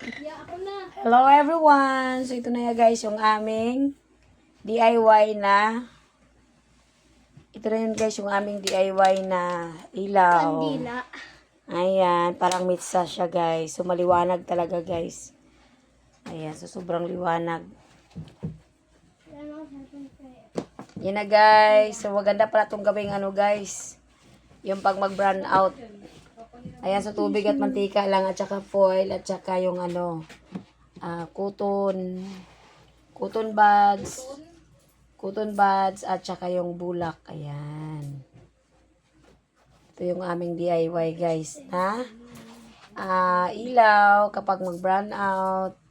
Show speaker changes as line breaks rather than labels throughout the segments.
Hello everyone! So ito na ya guys yung aming DIY na. Ito na yun guys yung aming DIY na ilaw.
Kandila.
Ayan, parang mitsa siya guys. So maliwanag talaga guys. Ayan, so sobrang liwanag. Yan na guys. So maganda pala itong gawing ano guys. Yung pag mag-brown out. Ayan, so tubig at mantika lang at saka foil at saka yung ano, cotton buds at saka yung bulak. Ayan. Ito yung aming DIY guys na ilaw kapag mag-brown out.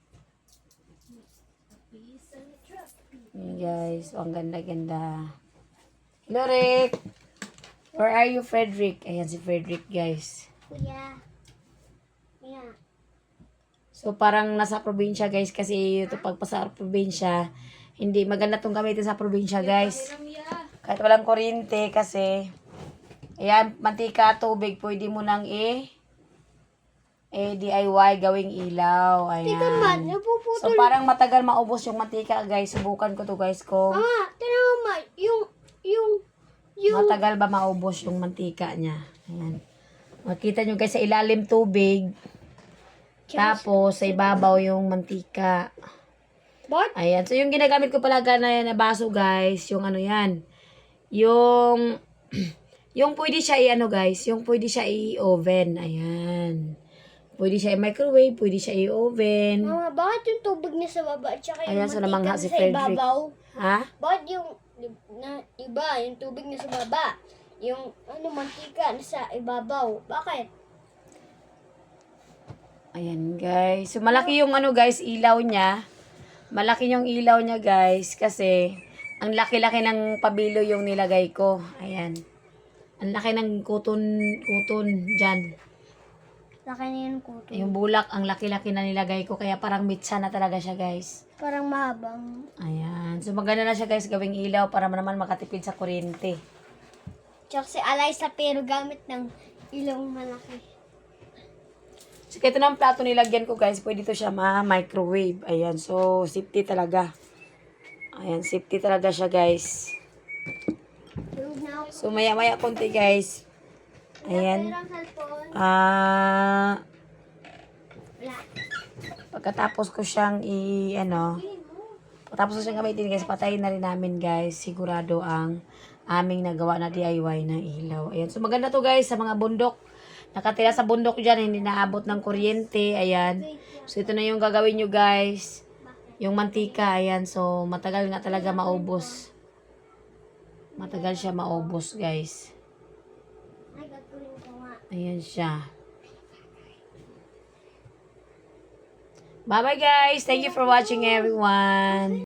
Ayan guys. So, ang ganda-ganda. Hello Rick! Where are you, Frederick? Ayan si Frederick guys.
Kuya. Yeah.
So, parang nasa probinsya, guys, kasi ito pag sa probinsya, hindi maganda itong gamitin sa probinsya, guys. Kahit walang kuryente, kasi, ayan, mantika, tubig, pwede mo nang DIY, gawing ilaw. Ayan.
Tika man, napuputol.
So, parang matagal maubos yung mantika, guys. Subukan ko to guys, kung
Mama, tira mo ma, yung,
matagal ba maubos yung mantika niya. Ayan. Makita nyo, guys, sa ilalim tubig. Tapos, sa ibabaw yung mantika.
What?
Ayan. So, yung ginagamit ko pala na baso, guys, yung ano yan. Yung, yung pwede siya i-ano, guys, yung pwede siya i-oven. Ayan. Pwede siya i-microwave, pwede siya i-oven.
Mama, bakit yung tubig na sa baba at saka yung
Ayan, so
mantika
namangha
na
si
sa
Frederick.
ibabaw?
Ha?
Bakit yung iba, yung tubig na sa baba? Yung mantika na sa ibabaw? Bakit?
Ayan, guys. So, malaki yung ano, guys, ilaw niya. Malaki yung ilaw niya, guys, kasi ang laki-laki ng pabilo yung nilagay ko. Ayan. Ang laki ng kuton dyan.
Laki na yung kuto.
Yung bulak, ang laki-laki na nilagay ko, kaya parang mitsa na talaga siya, guys.
Parang mahabang.
Ayan. So, maganda na siya, guys, gawing ilaw para naman makatipid sa kuryente.
Tsaka si Alaysa pero gamit ng ilong malaki.
So, ito na ang plato nilagyan ko, guys. Pwede to siya ma-microwave. Ayan. So, safety talaga. Ayan, safety talaga siya, guys.
Tulog na ako.
So, maya-maya konti, guys. Ayan.
Pero ang cellphone, wala.
Pagkatapos ko siyang pagkatapos ko siyang gamitin, guys, patayin na rin namin, guys. Sigurado ang aming nagawa na DIY na ilaw. Ayan. So, maganda to, guys, sa mga bundok. Nakatira sa bundok dyan, hindi naabot ng kuryente. Ayan. So, ito na yung gagawin nyo, guys. Yung mantika, ayan. So, matagal nga talaga maubos. Matagal siya maubos, guys.
Ay, gagawin ko nga.
Ayan siya. Bye-bye, guys. Thank you for watching, everyone.